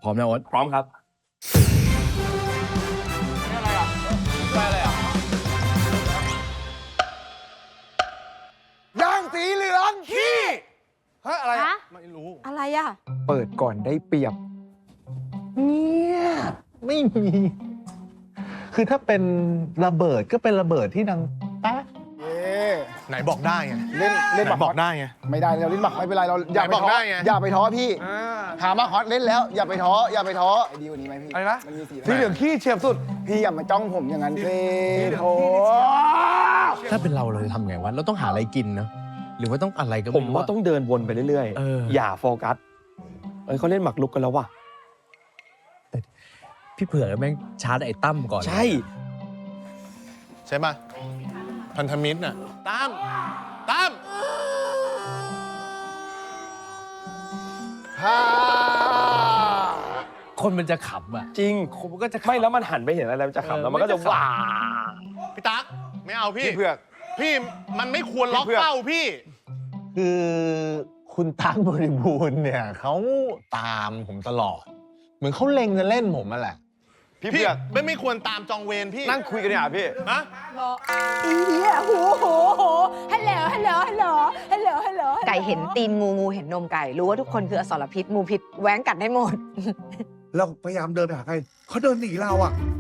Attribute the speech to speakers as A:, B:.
A: พร้อมนะโอ๊ต
B: พร้อมครับนี่อะไรอ่ะไปอะไรอ่ะ
C: ย่างสีเหลืองขี้ฮะอะไรอะ
D: ฮะ
C: ไม่รู้
D: อะไรอ่ะ
E: เปิดก่อนได้เปรียบ
F: เนี่ยไม่มี คือถ้าเป็นระเบิดก็เป็นระเบิดที่ดังแป๊ะ
C: เอ๊ะ
G: ไหนบอกได้ไง
C: เล่น
G: ไหน
C: บัก
G: บอกได้ไง
C: ไม่ได้เราเล่นบักไม่เป็นไรเราอย่า
G: ไหน
C: ไป
G: บอก
C: ท้อ
G: ได้ไง
C: อย่าไปท้อพี่หามาฮอตเล่นแล้ว อย่าไปท้ออย่าไปท้อไอ้ดีกว่านี้ไหมพี่
G: อะไรนะ
C: มันมีสี
G: สีเหลืองขี้เฉียบสุด
C: พี่อย่ามาจ้องผมอย่างนั้นสิโถ
A: ถ้าเป็นเราจะทำไงวะเราต้องหาอะไรกินเนาะหรือว่าต้องอะไรก็
B: ผ
A: ไม่
B: ม
A: รู้
B: ว่าต้องเดินวนไปเรื่อย
A: เออ
B: อย่าโฟกัสเขาเล่นหมากรุกกันแล้วว่ะ
A: พี่เผือกแม่งชาร์จไอ้ตั้มก่อน
B: ใช่
G: ใช่ป่ะพันธมิตรน่ะตาม
C: ฮ่า
A: คนมันจะขำอ่ะ
B: จริง
A: คนมันก็จะขำ
B: ไม่แล้วมันหันไปเห็นอะไรมันจะขำแล้วมันก็จะว้า
G: พี่ตั๊กไม่เอาพี่
C: พี่เผือก
G: พี่มันไม่ควรล็อก
C: พี่เผือก
G: เป้าพี่
F: คือคุณตั๊กบริบูรณ์เนี่ยเขาตามผมตลอด เหมือนเขาเล็งจะเล่นผมมาแหละ
C: พี่
G: พี่
C: เผือก
G: ไม่ควรตามจองเวรพี่
C: นั่งคุยกันเนี่ยพี่
G: ฮะ
D: อีเหี้ยโหฮัลโหลฮัลโหลฮัลโหลฮัลโหลฮัลโหล
H: ไก่เห็นตีนงูงูเห็นนมไก่ รู้ว่าทุกคนคืออสรพิษงูพิษแหว้งกัดได้หมด
I: เราพยายามเดินไปหาใครเขาเดินหนีเราอ่ะ